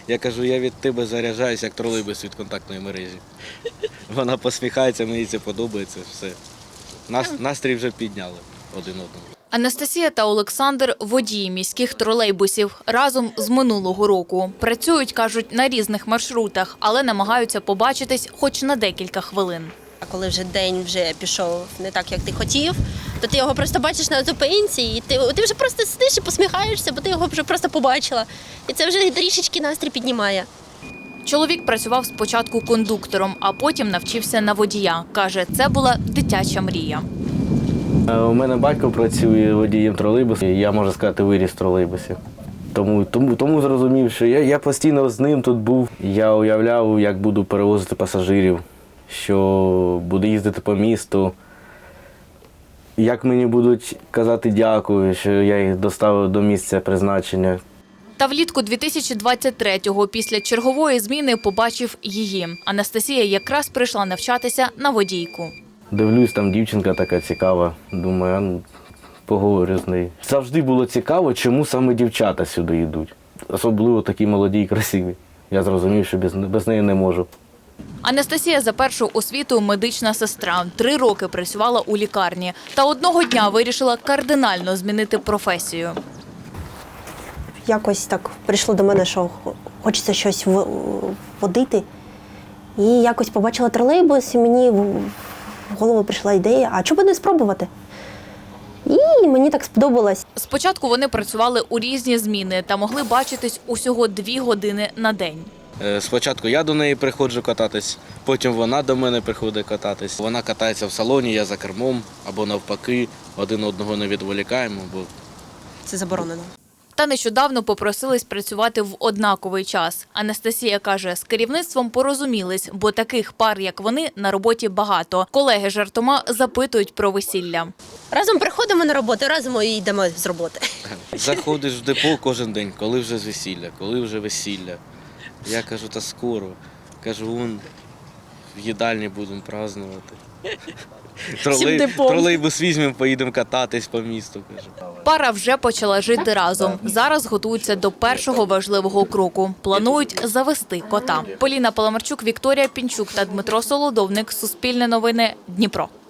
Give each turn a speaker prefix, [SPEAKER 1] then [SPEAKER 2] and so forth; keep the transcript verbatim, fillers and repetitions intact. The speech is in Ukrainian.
[SPEAKER 1] Я кажу, я від тебе заряджаюся, як тролейбус від контактної мережі. Вона посміхається, мені це подобається, все. Нас, настрій вже підняли один одному.
[SPEAKER 2] Анастасія та Олександр – водії міських тролейбусів. Разом з минулого року. Працюють, кажуть, на різних маршрутах, але намагаються побачитись хоч на декілька хвилин.
[SPEAKER 3] А коли вже день вже пішов не так, як ти хотів, то ти його просто бачиш на зупинці, і ти, ти вже просто сидиш і посміхаєшся, бо ти його вже просто побачила. І це вже трішечки настрій піднімає.
[SPEAKER 2] Чоловік працював спочатку кондуктором, а потім навчився на водія. Каже, це була дитяча мрія.
[SPEAKER 4] У мене батько працює водієм тролейбусу, я, можу сказати, виріс в тролейбусі. Тому, тому, тому зрозумів, що я, я постійно з ним тут був. Я уявляв, як буду перевозити пасажирів, що буду їздити по місту, як мені будуть казати дякую, що я їх доставив до місця призначення.
[SPEAKER 2] Та влітку дві тисячі двадцять третього після чергової зміни побачив її. Анастасія якраз прийшла навчатися на водійку.
[SPEAKER 4] Дивлюсь, там дівчинка така цікава, думаю, а ну, поговорю з нею. Завжди було цікаво, чому саме дівчата сюди йдуть. Особливо такі молоді і красиві. Я зрозумів, що без, без неї не можу.
[SPEAKER 2] Анастасія за першу освіту медична сестра. Три роки працювала у лікарні. Та одного дня вирішила кардинально змінити професію.
[SPEAKER 5] Якось так прийшло до мене, що хочеться щось водити. І якось побачила тролейбус, і мені в голову прийшла ідея, а чому б не спробувати? І мені так сподобалось.
[SPEAKER 2] Спочатку вони працювали у різні зміни та могли бачитись усього дві години на день.
[SPEAKER 1] Спочатку я до неї приходжу кататись, потім вона до мене приходить кататись. Вона катається в салоні, я за кермом, або навпаки, один одного не відволікаємо, бо
[SPEAKER 3] Це заборонено.
[SPEAKER 2] Та нещодавно попросились працювати в однаковий час. Анастасія каже, з керівництвом порозумілись, бо таких пар, як вони, на роботі багато. Колеги жартома запитують про весілля.
[SPEAKER 3] Разом приходимо на роботу, разом і йдемо з роботи.
[SPEAKER 1] заходиш в депо кожен день, коли вже з весілля, коли вже весілля. Я кажу, та скоро. Кажу, вон, в їдальні будемо празднувати. Тролей... Тролейбус візьмемо, поїдемо кататись по місту. Кажу.
[SPEAKER 2] Пара вже почала жити разом. Зараз готуються до першого важливого кроку. Планують завести кота. Поліна Паламарчук, Вікторія Пінчук та Дмитро Солодовник. Суспільне новини. Дніпро.